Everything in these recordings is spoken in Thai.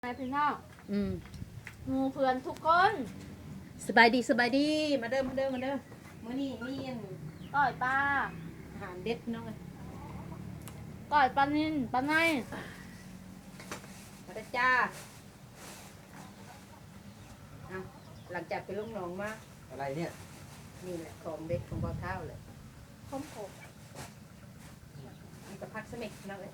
นายพี่น้องอืมหมู่เพื่อนทุกคนสบายดีสบายดีมาเด้อมาเด้อมาเด้อมื้อนี้มีก้อยปลาอาหารเด็ดพี่น้องเอ้ยก้อยปลานิลปลาในมาเด้อจ้าเอาหลังจากไปลงหนองมาอะไรเนี่ยนี่แหละของเด็ดของบ่าวเท้าเลยข้มโขกมีกระพักสมิกพี่น้องเอ้ย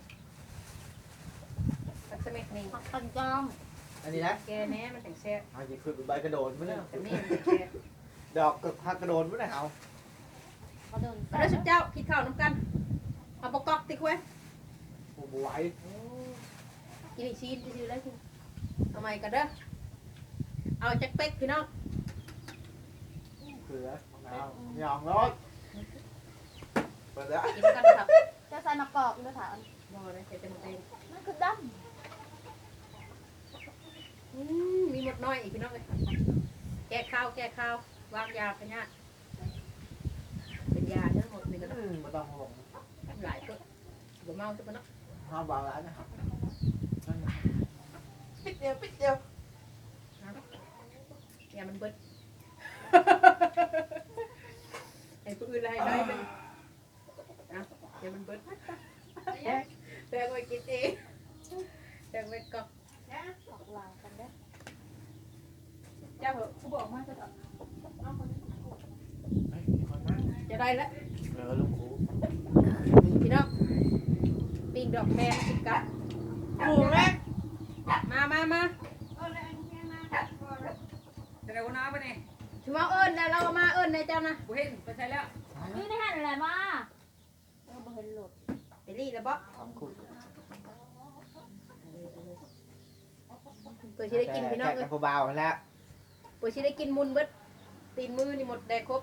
พักสมิกนี่ผักปันจองอันนี้นะแกแหน่มันถึงแซ่บเอาอย่าขึ้นเป็นใบกระโดดไม่ได้แต่นี่มันแซ่บดอกกับพักกระโดดไม่ได้เอากระโดนมาเด้อสุดเจ้ากินข้าวน้ำกันเอาปกกอกติ๊กไว้โอ้โหไหวกินอีกชีนจะซื้อแล้วกินเอาใหม่กันเด้อเอาจักเป๊กพี่น้องเขือมะนาวหยองรสเปิดแล้วกินกันครับจะใส่มะกอกด้วยค่ะบ่ได้ใส่เต็มเต็มนั่นคือดมีหมดน้อยอีกพี่น้องเลยแก้ข้าววางยาพญาธิเป็นยาทั้งหมดนี่ก็ต้องไม่ต้องห่วงหลายตัวบ่เมาทุกคนเนาะห้ามวางร้านนะครับปิดเดียวปิดเดียวยามันเบิดไอ้ผู้อื่นอะไรได้มันนะยามันเบิดแบ่งไว้กินเองแบ่งไว้กอกำออกลางกันเด้อเจ้าเหอะผู้บอกมาจะเฮ้ยมีคนมาจะได้แล้วลุงครูพี่น้องปิ้งดอกแม่กินกับหมูแรกมาจะได้วันน้าปะเนี่ยถือว่าเอิญแล้วเรามาเอิญในเจ้านะกูเห็นไปใช้แล้วนี่ในหันอะไรมาบ่เห็นหลุดไปรีแล้วบ่ทำคุณเปิดชิได้กินพี่น้องแกะเอ้กัยบเบาๆแล้วเปิดชิได้กินมุนเบิดตีนมือนี่หมดแดกครบ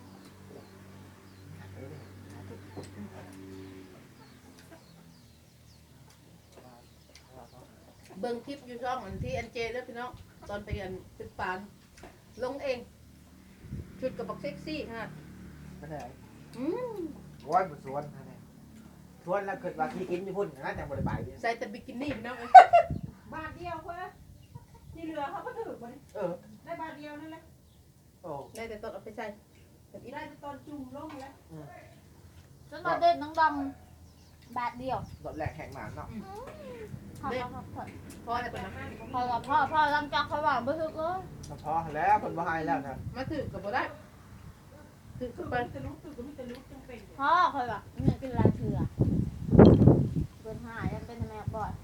เบิ่งคลิปอยู่ช่องอันที่อันเจแล้วพี่น้องตอนไปกันตึกปานลงเองชุดกับบักเซ็กซี่ค่ะไม่ได้อืมโอ้ยบุษวนนะเนี่ยชวนแล้วเกิดว่าที่กินญี่ปุ่นนะแต่บริบายเนี่ยใส่แต่บิกินี่พี่น้องเอ้ยบาทเดียวเพื่อที่เหลือเขาก็ถือมาเออได้บาทเดียวนั่นแหละโอ้ได้แต่ต้นเอาไปใส่แบบนี้ได้แต่ตอนจุ่มลงแล้วจนมาเด็ดน้องดำบาทเดียวรถแรกแข่งหมานเนาะพ่อพอได้เป็นมาพ่อลำจากเขาว่าบ่ถึกเลยพอแล้วคนบ่ให้แล้วนะมาถือกับบ่ได้ถือคืกัอบไปมันจะลุกคือก็ไม่จะลุกจังเป็นพ่อเคยว่าเนี่ยกินลายเถื่อเปิดหายยังเป็นแม่บ่อย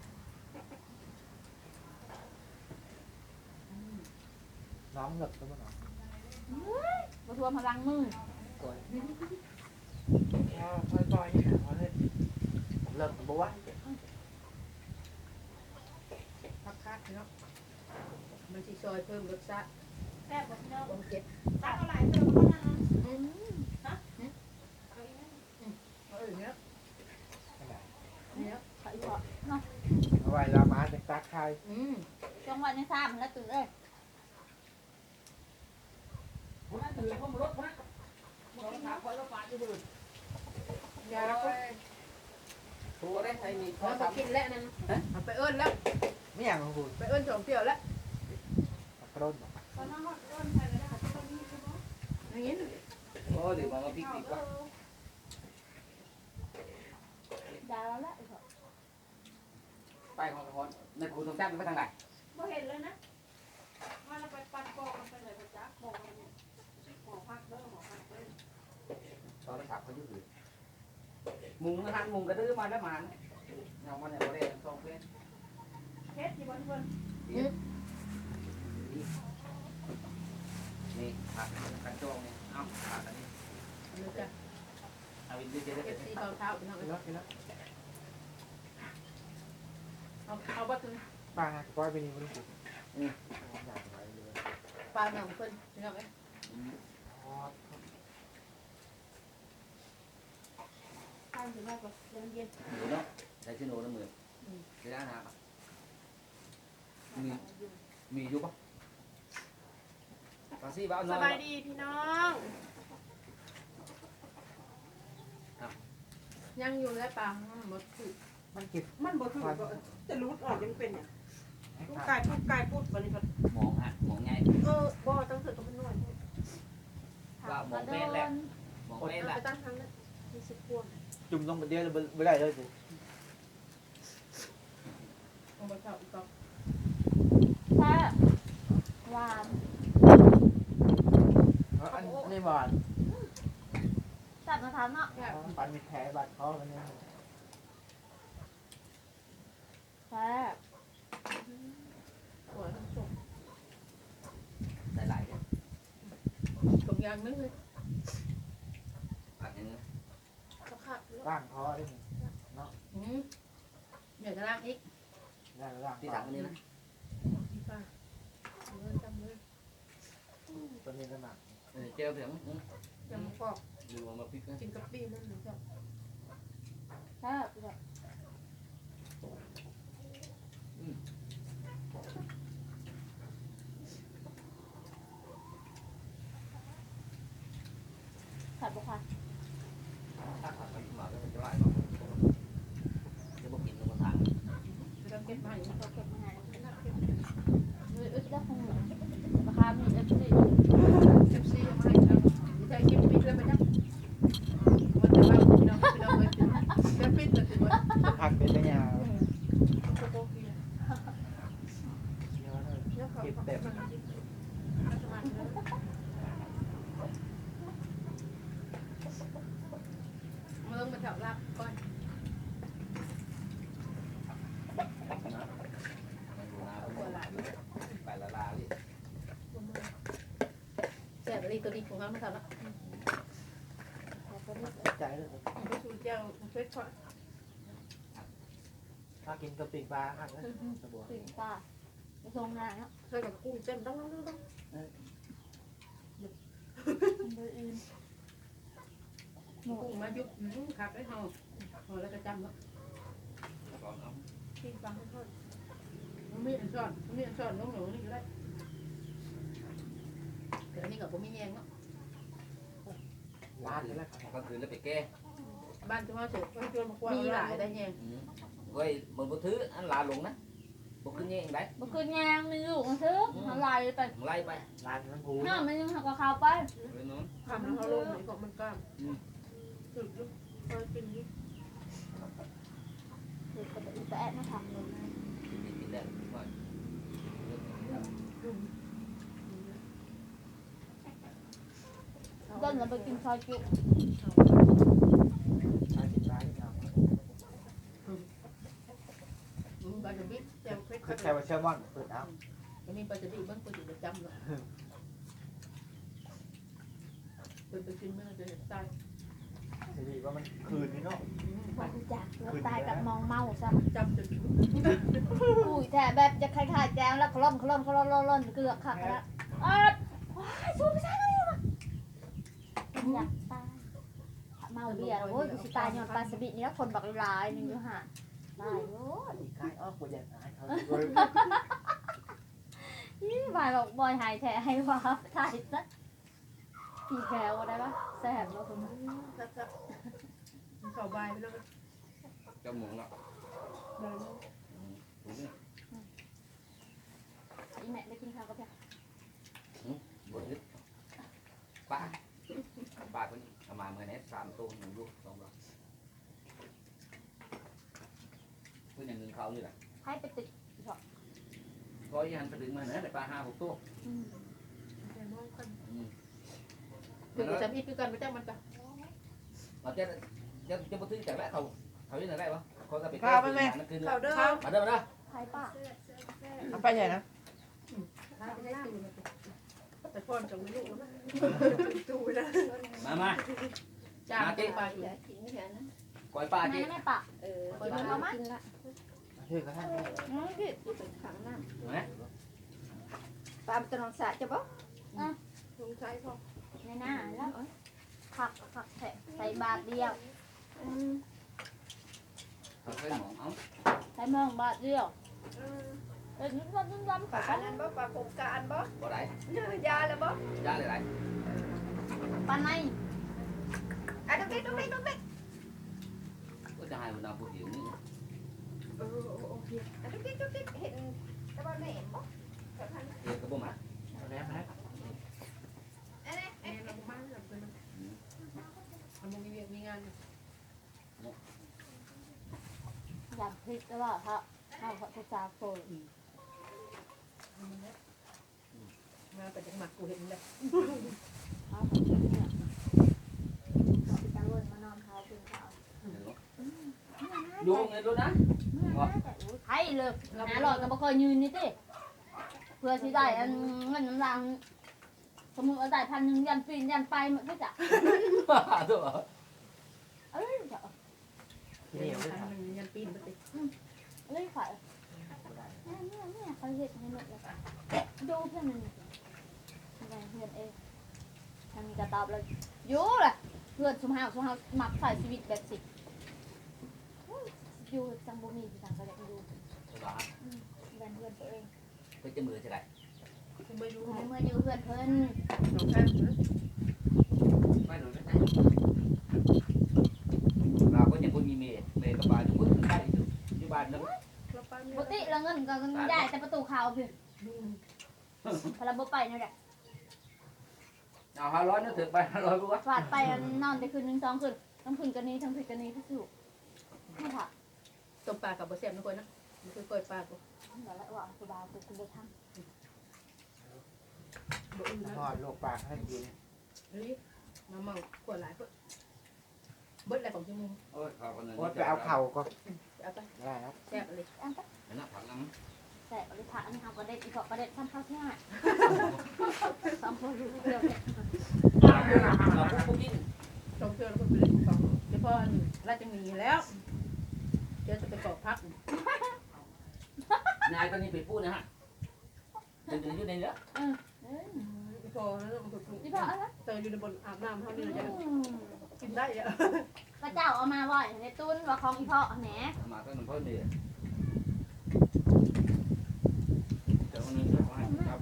น้องเหงือกตัวน้องบ่ทวมพลังมือปล่อยๆเลิกบัวพักคักพี่น้องมันสิซอยเพิ่มรสชาติแซ่บบอกเนาะความเจ็บตักเอาหลายเติมก็นั่นนะอืมเอาอีกนะเอาอีกแล้วเนี่ยใส่บ่เนาะเอาไว้ลามาเป็นตาคายอืมจังหวะนี้3แล้วตื่นเอ้ยวันนั้นถือพวกรถนะรถถามคนละฝาที่มือยาก็ถูกได้ใครมีพอจะกินแล้วนั่นเอาไปเอิ้นแล้วไม่อย่างของคุณไปเอิ้นสองเที่ยวแล้วกระโดดตอนนั้นเขาต้นไปแล้วนะคะตอนนี้ใช่ไหมอย่างนี้โอ้เดี๋ยวมาพิกดีกว่าดาวแล้วไปของคนในครูต้องจ้างไปทางไหนบ่เห็นเลยนะว่าเราไปปัดปอกกันไปเลยพระจ๊ะบอกกันเนี่ยหมอพักเด้อหมอพักเด้อตอนถามเขาอยู่หรือมุงนะฮะมุงกระดื้อมาแล้วมาเอามาเนี่ยโมเดลสองเพื่อนเทสที่บนบนนี่ผักกันโจงเนี่ยเอาผักอันนี้นึกอะเอาอินเดียจะได้เอเป็นฟซีเบาเท้าพี่น้องกินแล้วกินแล้วเอาบัตรปลาปล่อยไปนี่มันถูกอยากไปเลยปลาหนังเพิ่นพี่น้องเอ้ยทานถึงได้ก็เย็นเย็นหนูเนาะใส่ชิ้นโน้ตมือจะได้นะมีอยู่ปะปาซี่บ้าสบายดีพี่น้องยังอยู่แล้วปลาหมดคือมันเก็บมันบ่ถือก็จะรูดออกยังเป็นเนี่ยลูกไก่พูดวันนี้หมองฮะหมองไงบ่ต้องเสือกับมันหน่อยว่าหมองเป็นแหละหมองเป็นแหละไปตั้งครั้งนั้นมีสิบพวงจุ่มลงไปเดียวไม่ได้เลยสิเอาไปเช่าอีกต่อแซ่บหวานอันนี้บานแซ่บนะทานเนาะปันมีแผลบาดคอกันเนี่ยแซ่บหัวทั้งส่งหลายๆเนี่ยส่งยางนึงเลยผักอย่างนี้ก็ขาดแล้วร่างคอได้เดี๋ยวจะล้างอีกได้ร่างที่สั่งอันนี้นะป้าเลยจำเลยตัวนี้ก็หนักเจียวเสียงยังกรอบดูมาพริกนะกินกับปีนั่นหรือเปล่าแซ่บเลย ผัดบุกค่ะถ้าผัดมันมาก็จะไล่ก่อนจะบอกกินมาทางจะเก็บมาอย่างนี้เราเก็บมาให้เก็บเลยอึดแล้วคงราคามีอึดสิเก็บซีมาให้ครับใช้เก็บปิดเลยไปจ้ะมันจะว่าพี่น้องเลยเก็บปิดเลยถึงว่าพักเป็นระยะโคโค่กินแล้วเขาเก็บมันมาลงมาแถวลาบก่อนไปละลาดิแซ่บอะไรตัวดีของเขามาทำละใจเลยไปสู่เจ้าเฟซก่อนถ้ากินกะปิปลาอันนั้นสบู่ถึงป่าไปทรงงานเนาะเคยกับกุ้งเต็มต้องหมูกุ้งมายุบขับได้ห่อห่อแล้วก็จำแล้วก่อนเอากินฟังให้ทอดมันมีอันซ่อนมันมีอันซ่อนน้องหนูนี่ก็ได้แต่อันนี้กับผมมีแยงเนาะร้านนี่แหละก็คือแล้วไปแก้บ้านที่ว่าเสร็จก็ชวนมากว่ามีหลายได้แยงเว้ยมันบ่ถืออันลาลงนะบ่ขึ้นเงี้ยได้บ่คืนยางมีลูกมันซื้อมันลายไปไล่ไปร้านน้ำพูน้ามันยังหักกับข้าวไปไปนู้นทำแล้วเขาลงไหนก็มันกล้ามสุดลูกคอยกินนี่เด็กก็จะอีแปะมาทำเลยกินได้ก่อนต้นเราไปกินซอยจุร้านกินร้านนี่ครับปลาจะบิ๊กแจ่วเฟซคือแค่ว่าเชื่อมั่นเปิดเอาจะมีปลาจะบิ๊กบ้างปลาจะจำเลยไปกินเมื่อจะตายทีนี้ว่ามันคืนนี่เนาะความจากแล้วตายกับมองเมาซะจำจนอุ้ยแต่แบบจะคล้ายๆแจงแล้วคล่อมเกลือกขักแล้วว้ายสู้ไม่ใช่เลยว่ะอยากตายเมาเบียร์โอ้ยกูสิตายย้อนปลาสบินี่คนบักลายนึงอยู่ห่าตายโอ้ยอีกคายอ้อกูอยากหายเขานี่บายบอกบอยหายแท้ให้ว่าถ่ายซะพี่แควได้ปะแซ่บแล้วคุณซับเขาใบไปแล้วจมูกเนาะอีแม่ได้กินข้าวกับแพบ่ยึดป้าคนนี้เอามาเมื่อนี้3ตัว1ลูก2ตัวเพิ่นอย่างเงินเขานี่แหละให้ไปติดพอยันไปดึงมาเนี่ยได้ปลา5-6ตัวแต่มองกันคือจะมีคือกันไม่จ้างมันจ้ะเราจะบ่ถือจากแล้วเขาอยู่ไหนได้บ่เขาก็ไปนั่นคือเขาเด้อมาเด้อมาเด้อใครป้าเอาไปใหญ่นะไม่ได้ตูนแต่พ่อจะไม่รู้นะตูนะมาจ้าตีไปอยู่ก้อยปลาแม่จีแม่ป้าไปดูมามั้ยชื่อก็ท่านพี่ไหนปลาตะนองสะจะบ่สงสัยพ่อในหน้าแล้วผักใส่บาทเดียวเขาเคยมองเอาใส่เมืองบาทเดียวเป็นนุ่มปลาอันนั้นบ่ปลาผมกะอันบ่บ่ได้ยาแล้วบ่ยาหลายปลาในอันนั้นบิ๊กก็จะให้มันเอาผู้หญิงนี่โอเคอันนั้นบิ๊กเห็นจะบ่แหนมบ่แบบนั้นเด็กกระบุ้มอ่ะเอาแล้วนะอันนี้แม่เราบ้านเราเป็นมันมีเวียกมีงานอยากพริกแล้วว่าถ้าเขาจะจาโฟนมาแต่จังหวัดกูเห็นเลยเขาเนี่ยตะวันมานอนเขาเป็นเขาดูไงดูนะไทยเลยหาหลอดก็บ่เคยยืนนี่ติเพื่อสิได้อันเงินน้ำรางสมมุติว่าได้1,000ยันปีนยันไปหมดก็จะตัวเอ้ยจะเหนียวด้วยครับมันยันปีนไปติเอ้ยฝ่ายเนี่ยเขาเฮ็ดให้หมดเลยดูเพื่อนมันอะไรเพื่อนเองทางนี้ก็ตอบเลยอยู่แหละเพื่อนสมหาวมักใส่ชีวิตแบบสิอยู่จังบ่มีจังก็อยากอยู่แบนเพื่อนตัวเองไปจะมือจะไรกูไม่รู้เมื่ออยู่เพื่อนเพิ่นสองข้างนะไม่หนุนไม่ใช่เราก็ยังคนมีเมย์กับบ้านอยู่คนใกล้อยู่บ้านนึงเราไปปกติแล้วเงินก็ย้ายแต่ประตูเขาพี่พลังบ่ไปนี่แหละเอา500นึกถึงไป500รู้ว่าฟาดไปนอนได้คืนนึง2คืนทั้งคืนกันนี้ทั้งคืนกันนี้ที่สุดไม่ค่ะต้มปลากับบ่แซ่บนะคนนะมันคือกล้วยปลากูเดี๋ยวแล้วว่ากูดาวกูบ่ทำบ่อื่นนะทอดลวกปลาให้กินเฮ้ยมาเมาขวดหลายเพิ่นเบิดอะไรของชั่วโมงโอ้ยขอบคุณโอ๊ตไปเอาเข่าก็เอาไปได้ครับแซ่บเลยอันก็นะผักน้แต่บริษัทอันนี้ทำประเด็นอีกประเด็นซ้ำเข้าที่ห้าซ้ำพอรู้เรื่องเนี่ยำเราพวกกินสองเทื่อแล้วก็ไปเล่นของเดี๋ยวพอราชมีแล้วเดี๋ยวจะไปกอกพักนายตอนนี้ไปพูดนะฮะตื่นอยู่ในเนื้อเอ้ยพอแล้วมันก็นี่พออะไรเตยอยู่ในบนอาบน้ำเท่านี้เราจะกินได้อะพระเจ้าเอามาบ่อยในตุ้นว่าของอีพ่อแหนมาตั้งแต่เพิ่มเดือนเดี๋ยวคนนึงจะให้ครับ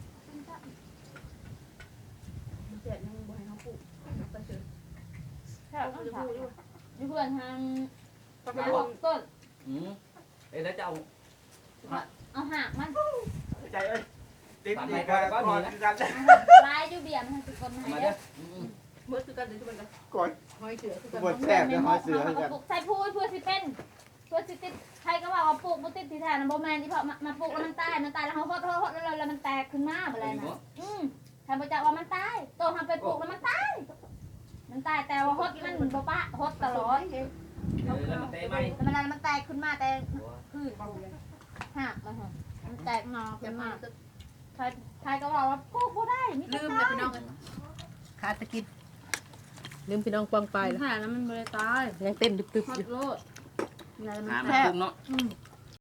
มันแซ่บยังบ่ให้เขาปลูกเอาไปเถอะแค่ต้องถามอยู่เพื่อนทางก็ไปหาลหงกต้นแล้วจะเอาเอาหักมันใจเอ้ยติ๊บดีกันก่อนกันลายอยู่เบียร์มันคือคนมามาเยเด้ออะเมื่อคือกันเดี๋ยวจะเป็นกันกดหอยเสือคือกันบดแซ่บจะหอยเสือกันใส่พูดเพื่อสิเป็นเพื่อสิติดใครก็ว่าว่าปลูกมันติดที่แทนโบแมนที่พอมาปลูกแล้วมันตายแล้วเขาโคตรแล้วมันแตกขึ้นมาอะไรนะท่านพระเจ้าว่ามันตายโตทำไปปลูกแล้วมันตายแต่ว่าฮดมันบ่ปะฮดตลอดแล้วมันเตะไหมแต่มันแตกขึ้นมาแต่คืนหักมันแตกงอขึ้นมาใครก็ว่าว่าปลูกบ่ได้ลืมเลยพี่น้องขาตะกินลืมพี่น้องปองไปแล้วค่ะแล้วมันบ่ได้ตายยังเต้นตึบๆฮอดยู่โลดอะไรมันน้ำแซ่บกุ้งเนาะ